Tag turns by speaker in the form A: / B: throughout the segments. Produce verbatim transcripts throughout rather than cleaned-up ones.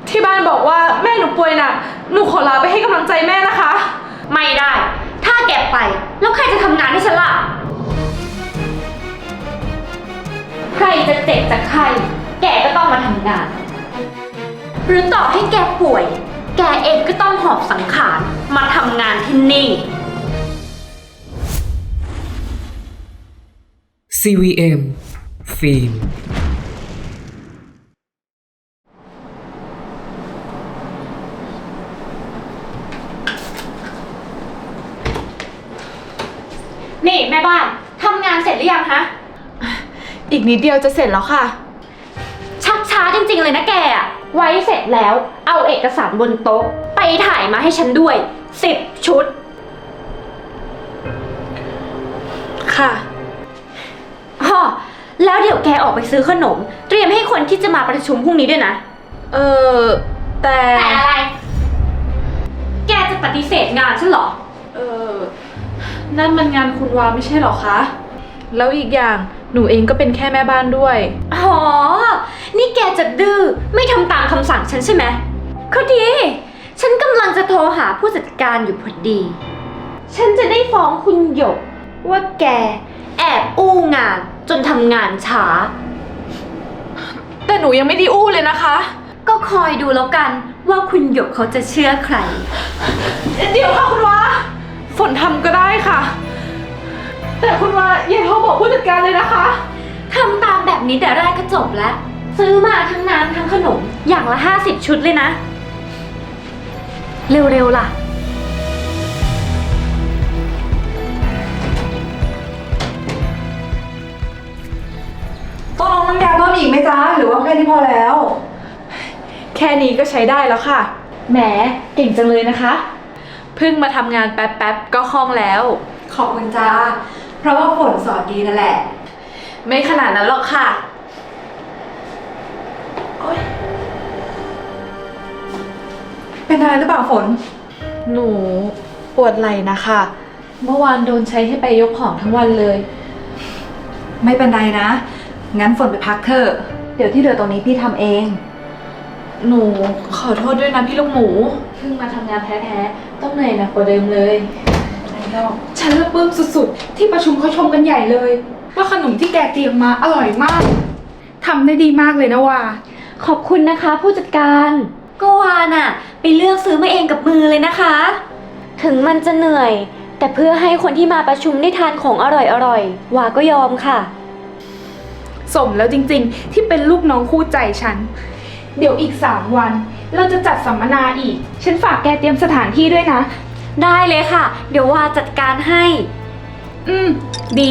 A: ที่บ้านบอกว่าแม่หนูป่วยหนักหนูขอลาไปให้กำลังใจแม่นะคะ
B: ไม่ได้ ถ้าแกไปแล้วใครจะทำงานให้ฉันล่ะ ใครจะเจ็บจากใคร แกก็ต้องมาทำงาน หรือต่อให้แกป่วย แกเองก็ต้องหอบสังขารมาทำงานที่นี่
C: ซี วี เอ็ม ฟิล์ม
B: นี่แม่บ้านทำงานเสร็จหรือยังฮะ
A: อีกนิดเดียวจะเสร็จแล้วค่ะ
B: ชักช้าจริงๆเลยนะแกอะไว้เสร็จแล้วเอาเอกสารบนโต๊ะ ไปถ่ายมาให้ฉันด้วยสิบชุด
A: ค่ะ
B: ฮอแล้วเดี๋ยวแกออกไปซื้อขนม เตรียมให้คนที่จะมาประชุมพรุ่งนี้ด้วยนะ
A: เออแต่
B: แต่อะไร แกจะปฏิเสธงานฉันเหรอ
A: เออนั่นมันงานคุณวาไม่ใช่หรอคะ แล้วอีกอย่างหนูเองก็เป็นแค่แม่บ้านด้วย
B: อ๋อ นี่แกจะดื้อไม่ทำตามคำสั่งฉันใช่ไหมก็ดี ฉันกำลังจะโทรหาผู้จัดการอยู่พอดี ฉันจะได้ฟ้องคุณหยก ว่าแกแอบอู้งานจนทำงานช้า
A: แต่หนูยังไม่ได้อู้เลยนะคะ
B: ก็คอยดูแล้วกันว่าคุณหยกเขาจะเชื่อใคร
A: เดี๋ยวค่ะคุณวาฝนทำก็ได้ค่ะ แต่คุณวาอย่าโทรบอกผู้จัดการเลยนะคะ
B: ทำตามแบบนี้แต่แรกก็จบแล้ว ซื้อมาทั้งน้ำทั้งขนมอย่างละห้าสิบชุดเลยนะ เร็วๆล่ะ
D: ต้องลงน้ำยาเพิ่มอีกไหมจ๊ะ หรือว่าแค่นี้พอแล้ว
A: แค่นี้ก็ใช้ได้แล้วค่ะ แหมเก่งจังเลยนะคะ เพิ่งมาทำงานแป๊บๆก็คล่องแล้ว
D: ขอบคุณจ้า เพราะว่าฝนสอนดีนั่นแหละ
A: ไม่ขนาดนั้นหรอกค่ะโอ๊ย
D: เป็นอะไรหรือเปล่าฝน
A: หนูปวดไหล่นะคะ เมื่อวานโดนใช้ให้ไปยกของทั้งวันเลย
D: ไม่เป็นไรนะ งั้นฝนไปพักเถอะ เดี๋ยวที่เหลือตรงนี้พี่ทำเอง
A: หนูขอโทษด้วยนะพี่ลูกหมู เพิ่งมาทำงานแท้ๆ ต้องเหนื่อยหนักกว่าเดิมเลย
E: ฉันละปลื้มสุดๆ ที่ประชุมเขาชมกันใหญ่เลย ว่าขนมที่แกเตรียมมาอร่อยมากทำได้ดีมากเลยนะว่า
B: ขอบคุณนะคะผู้จัดการ ก็วาน่ะ ไปเลือกซื้อมาเองกับมือเลยนะคะ ถึงมันจะเหนื่อย แต่เพื่อให้คนที่มาประชุมได้ทานของอร่อยๆ วาก็ยอมค่ะ
E: สมแล้วจริงๆ ที่เป็นลูกน้องคู่ใจฉัน เดี๋ยวอีกสามวัน เราจะจัดสัมมนาอีก ฉันฝากแกเตรียมสถานที่ด้วยนะ
B: ได้เลยค่ะ เดี๋ยววาจัดการให้
E: อืม ดี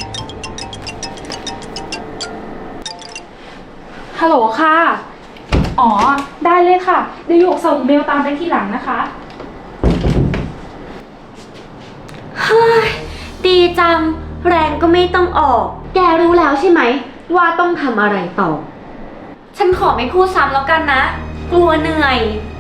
E: ฮัลโหลค่ะ อ๋อ ได้เลยค่ะ เดี๋ยวหยกส่งเมลตามไปทีหลังนะคะ
B: เฮ้ย ดีจัง แรงก็ไม่ต้องออก แกรู้แล้วใช่ไหม ว่าต้องทำอะไรต่อ ฉันขอไม่พูดซ้ำแล้วกันนะ กลัวเหนื่อย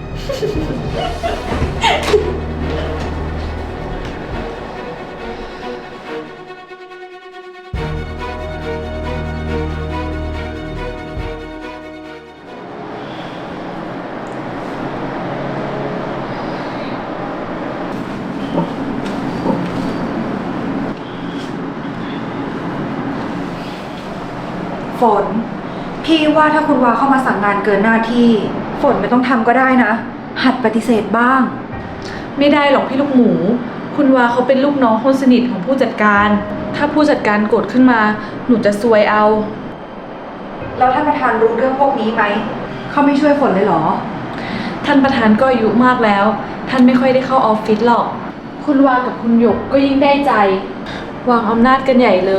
D: ฝน พี่ว่าถ้าคุณวาเข้ามาสั่งงานเกินหน้าที่ ฝนไม่ต้องทำก็ได้นะ หัดปฏิเสธบ้าง
A: ไม่ได้หรอกพี่ลูกหมู คุณวาเขาเป็นลูกน้องคนสนิทของผู้จัดการ ถ้าผู้จัดการโกรธขึ้นมา หนูจะซวยเอา
D: แล้วท่านประธานรู้เรื่องพวกนี้ไหม เขาไม่ช่วยฝนเลยเหรอ
A: ท่านประธานก็อายุมากแล้ว ท่านไม่ค่อยได้เข้าออฟฟิศหรอก คุณวากับคุณหยกก็ยิ่งได้ใจ วางอำนาจกันใหญ่เลย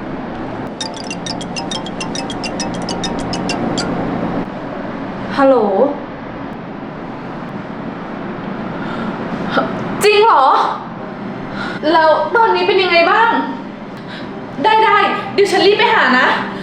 A: ฮัลโหล จริงเหรอ แล้วตอนนี้เป็นยังไงบ้าง ได้ได้เดี๋ยวฉันรีบไปหานะ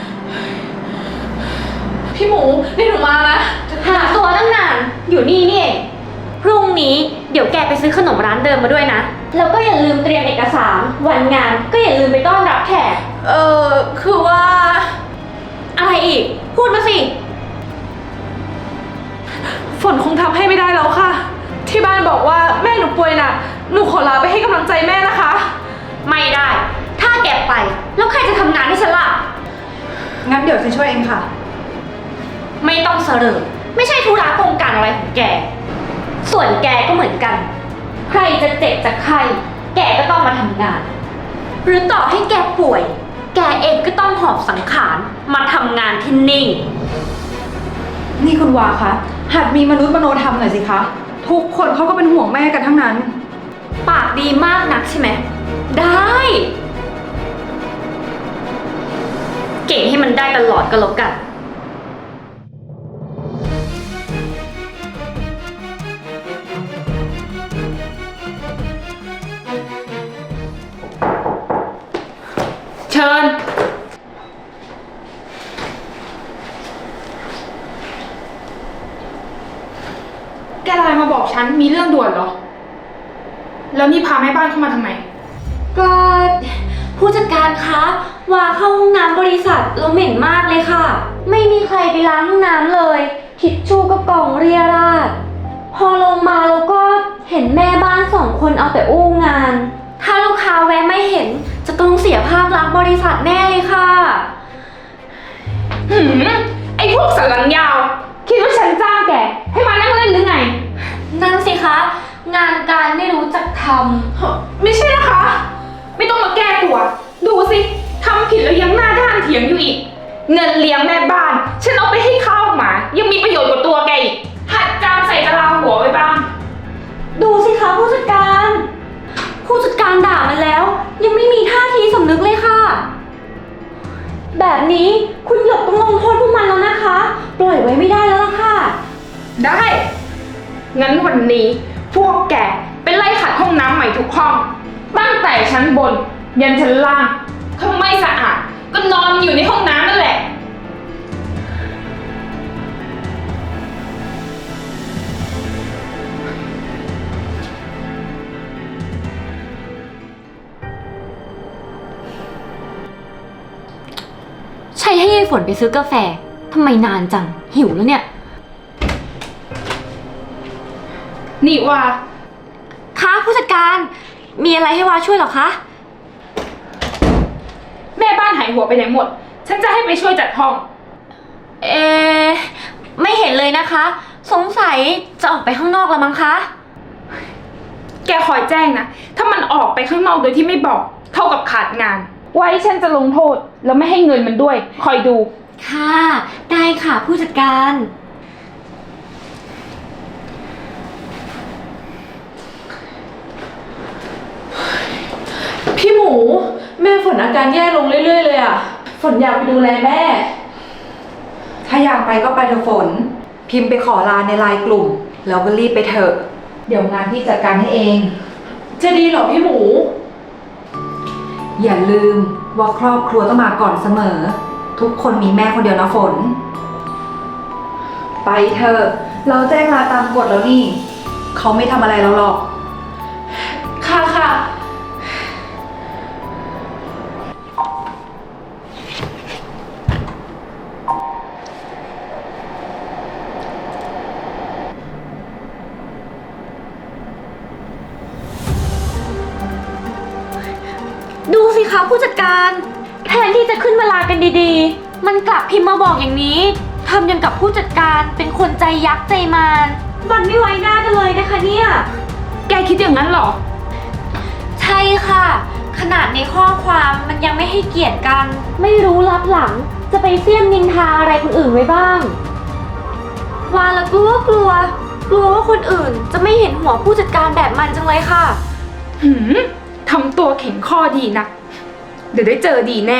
A: พี่หมูนี่หนูมานะ
B: หาตัวตั้งนาน อยู่นี่นี่เอง พรุ่งนี้เดี๋ยวแกไปซื้อขนมร้านเดิมมาด้วยนะ แล้วก็อย่าลืมเตรียมเอกสาร วันงานก็อย่าลืมไปต้อนรับแขก
A: เออคือว่า
B: อะไรอีก พูดมาสิ
A: ฝนคงทำให้ไม่ได้แล้วค่ะ ที่บ้านบอกว่าแม่หนูป่วยหนักหนูขอลาไปให้กำลังใจแม่นะคะ
B: ไม่ได้ ถ้าแกไป แล้วใครจะทำงานให้ฉันล่ะ
D: งั้นเดี๋ยวฉันช่วยเองค่ะ
B: ไม่ต้องเสรอไม่ใช่ธุระโครงการอะไรของแก ส่วนแกก็เหมือนกัน ใครจะเจ็บจะไข้แกก็ต้องมาทำงาน หรือต่อให้แกป่วย แกเองก็ต้องหอบสังขารมาทำงานที่นี่
D: นี่คุณวาคะ หัดมีมนุษย์มโนธรรมหน่อยสิคะ ทุกคนเขาก็เป็นห่วงแม่กันทั้งนั้น
B: ปากดีมากนักใช่ไหม ได้ เก่งให้มันได้ตลอดก็แล้วกัน
E: เชิญ แกไลน์มาบอกฉันมีเรื่องด่วนเหรอ แล้วนี่พาแม่บ้านเข้ามาทำไม
B: ก็ผู้จัดการคะวาเข้าห้องน้ำบริษัทเราเหม็นมากเลยค่ะ ไม่มีใครไปล้างห้องน้ำเลยทิชชู่ก็กล่องเรียราดพอลงมาแล้วก็เห็นแม่บ้านสองคนเอาแต่อู้งาน ถ้าลูกค้าแวะไม่เห็นจะต้องเสียภาพลักษณ์บริษัทแน่เลยค่ะ
E: หืม ไอ้พวกสันหลังยาว คิดว่าฉันจ้างแก ให้มานั่งเล่นหรือไง
B: นั่นสิคะ งานการไม่รู้จักท
E: ไม่ใช่นะคะ ไม่ต้องมาแก้ตัว ดูสิทำผิดแล้วยังหน้าด้านเถียงอยู่อีก เงินเลี้ยงแม่บ้าน ฉันเอาไปให้ข้าวหมา ยังมีประโยชน์กว่าตัวแกอีก หัดจามใส่กะลาหัวไว้บ้าง
B: ำดูสิคะผู้จัดการ ผู้จัดการด่ามันแล้ว ยังไม่มีท่าทีสำนึกเลยค่ะ แบบนี้คุณหยกต้องลงโทษพวกมันแล้วนะคะ ปล่อยไว้ไม่ได้แล้วล่ะค่ะ
E: ได้ งั้นวันนี้พวกแกไปไล่ขัดห้องน้ำใหม่ทุกห้อง ตั้งแต่ชั้นบน ยันชั้นล่าง ถ้าไม่สะอาดก็นอนอยู่ในห้องน้ำนั่นแหละ
B: ใช่ให้ยายฝนไปซื้อกาแฟ ทำไมนานจัง หิวแล้วเนี่ย
E: นี่ว่า
B: คะผู้จัดการ มีอะไรให้วาช่วยเหรอคะ
E: แม่บ้านหายหัวไปไหนหมด ฉันจะให้ไปช่วยจัดห้อง
B: เออไม่เห็นเลยนะคะ สงสัยจะออกไปข้างนอกแล้วมั้งคะ
E: แกคอยแจ้งนะ ถ้ามันออกไปข้างนอกโดยที่ไม่บอก เท่ากับขาดงาน ไว้ฉันจะลงโทษ แล้วไม่ให้เงินมันด้วย คอยดู
B: ค่ะ ได้ค่ะผู้จัดการ
A: พี่หมู แม่ฝนอาการแย่ลงเรื่อยๆเลยอะฝนอยากไปดูแลแม่
D: ถ้าอยากไปก็ไปเถอะฝน พิมพ์ไปขอลาในไลน์กลุ่ม แล้วก็รีบไปเถอะ เดี๋ยวงานพี่จัดการให้เอง
A: จะดีเหรอพี่หมู
D: อย่าลืมว่าครอบครัวต้องมาก่อนเสมอ ทุกคนมีแม่คนเดียวนะฝน ไปเถอะ เราแจ้งลาตามกฎแล้วนี่ เขาไม่ทำอะไรเราหรอก
A: ค่ะค่ะ
B: ดูสิคะผู้จัดการ แทนที่จะขึ้นมาลากันดีๆ มันกลับพิมพ์มาบอกอย่างนี้ทำยังกับผู้จัดการเป็นคนใจยักษ์ใจมารมันไม่ไว้หน้ากันเลยนะคะเนี่ย
E: แกคิดอย่างนั้นเหรอ
B: ใช่ค่ะ ขนาดในข้อความมันยังไม่ให้เกียรติกัน ไม่รู้รับหลังจะไปเสี้ยมนินทาอะไรคนอื่นไว้บ้างวาละกลัวกลัว กลัวว่าคนอื่นจะไม่เห็นหัวผู้จัดการแบบมันจังเลยค่ะ
E: หืมทำตัวแข็งข้อดีนะ เดี๋ยวได้เจอดีแน่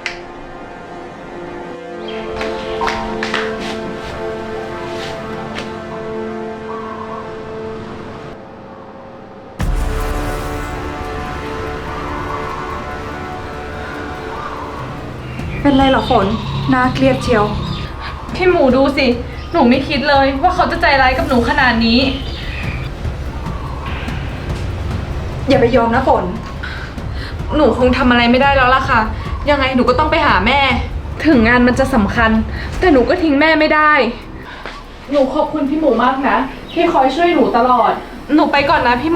D: เป็นไรเหรอฝน น่าเครียดเชียว
A: พี่หมูดูสิ หนูไม่คิดเลยว่าเขาจะใจร้ายกับหนูขนาดนี้
D: อย่าไปยอมนะฝน
A: หนูคงทำอะไรไม่ได้แล้วล่ะค่ะ ยังไงหนูก็ต้องไปหาแม่ ถึงงานมันจะสำคัญ แต่หนูก็ทิ้งแม่ไม่ได้หนูขอบคุณพี่หมูมากนะ ที่คอยช่วยหนูตลอด หนูไปก่อนนะพี่หมู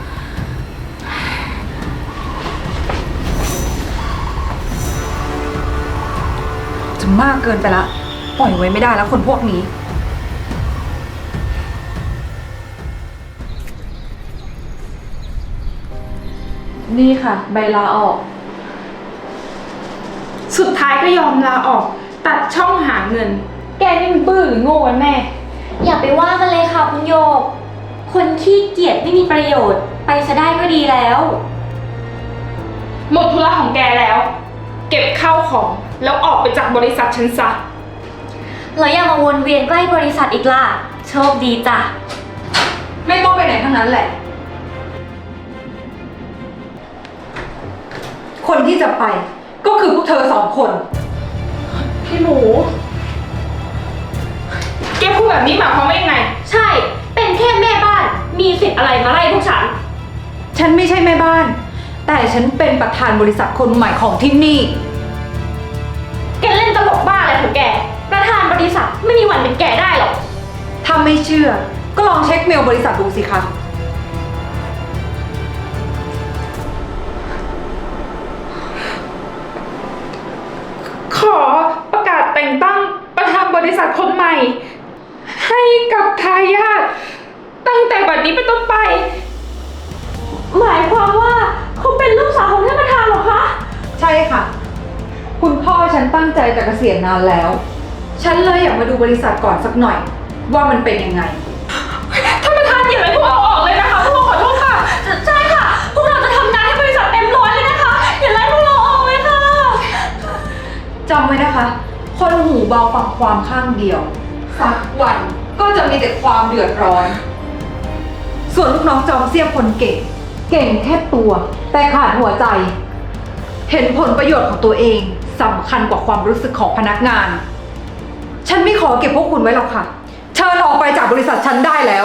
D: จะมากเกินไปละ ปล่อยไว้ไม่ได้แล้วคนพวกนี้
A: นี่ค่ะ ใบลาออก
E: สุดท้ายก็ยอมลาออก ตัดช่องหาเงิน แกนี่มันบื้อหรือโง่กันแน่
B: อย่าไปว่ามันเลยค่ะคุณโยก คนขี้เกียจไม่มีประโยชน์ ไปซะได้ก็ดีแล้ว
E: หมดธุระของแกแล้ว เก็บข้าวของแล้วออกไปจากบริษัทฉันซะ
B: แล้วอย่ามาวนเวียนใกล้บริษัทอีกล่ะ โชคดีจ้ะ
D: ไม่ต้องไปไหนทั้งนั้นแหละ คนที่จะไป ก็คือพวกเธอสองคน
A: พี่หมู
E: แกพูดแบบนี้หมายความว่ายังไง
B: ใช่ เป็นแค่แม่บ้าน มีสิทธิ์อะไรมาไล่พวกฉัน
D: ฉันไม่ใช่แม่บ้าน แต่ฉันเป็นประธานบริษัทคนใหม่ของที่นี่
B: แกเล่นตลกบ้าอะไรของแก ประธานบริษัทไม่มีวันเป็นแกได้หรอก
D: ถ้าไม่เชื่อ ก็ลองเช็คเมลบริษัทดูสิคะ
E: ขอประกาศแต่งตั้งประธานบริษัทคนใหม่ ให้กับทายาทตั้งแต่บัดนี้เป็นต้นไป
B: หมายความว่าเขาเป็นลูกสาวของท่านประธานเหรอคะ
D: ใช่ค่ะ คุณพ่อฉันตั้งใจจะเกษียณนานแล้ว ฉันเลยอยากมาดูบริษัทก่อนสักหน่อย ว่ามันเป็นยังไง
E: ท่านประธานอย่าไล่พวกเราออกเลยนะคะพวกเราขอโทษค่ะ
B: ใช่ค่ะ พวกเราจะทำงานให้บริษัทเต็มร้อยเลยนะคะ อย่าไล่พวกเราออกเลยค่ะ
D: จำไว้นะคะ คนหูเบาฟังความข้างเดียว สักวันก็จะมีแต่ความเดือดร้อน ส่วนลูกน้องจอมเสียมคนเก่ง เก่งแค่ตัว แต่ขาดหัวใจ เห็นผลประโยชน์ของตัวเองสำคัญกว่าความรู้สึกของพนักงาน ฉันไม่ขอเก็บพวกคุณไว้หรอกค่ะ เชิญออกไปจากบริษัทฉันได้แล้ว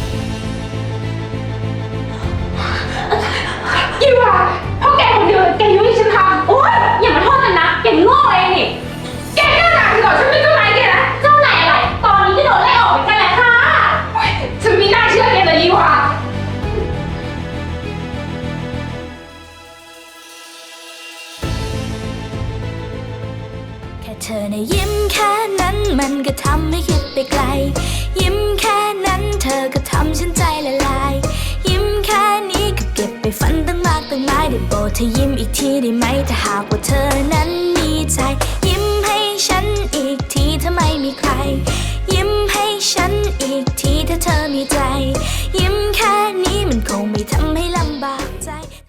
E: ยี่หว่าเพราะแกคนเดียวแกยุ่งให้ฉันทำ
B: โอ๊ย อย่ามาโทษกันนะแกโง่เองนี่
E: แกกล้าด่าฉันก่อนฉันเป็นเจ้านายแกนะ
B: เจ้านายอะไร ตอนนี้ก็โดนไล่ออกเหมือนกันแหละค่ะ
E: ฉันไม่น่าเชื่อแกเลยยี่หว่า
F: แค่เธอนะยิ้มแค่นั้นมันก็ทำให้คิดไปไกล ยิ้มแค่นั้นเธอก็ทำฉันใจละลาย ยิ้มแค่นี้ก็เก็บไปฝันตั้งมากตั้งหลายได้โปรดเธอยิ้มอีกทีได้ไหมถ้าหากว่าเธอนั้นมีใจ ยิ้มให้ฉันอีกทีถ้าไม่มีใคร ยิ้มให้ฉันอีกทีถ้าเธอมีใจยิ้ม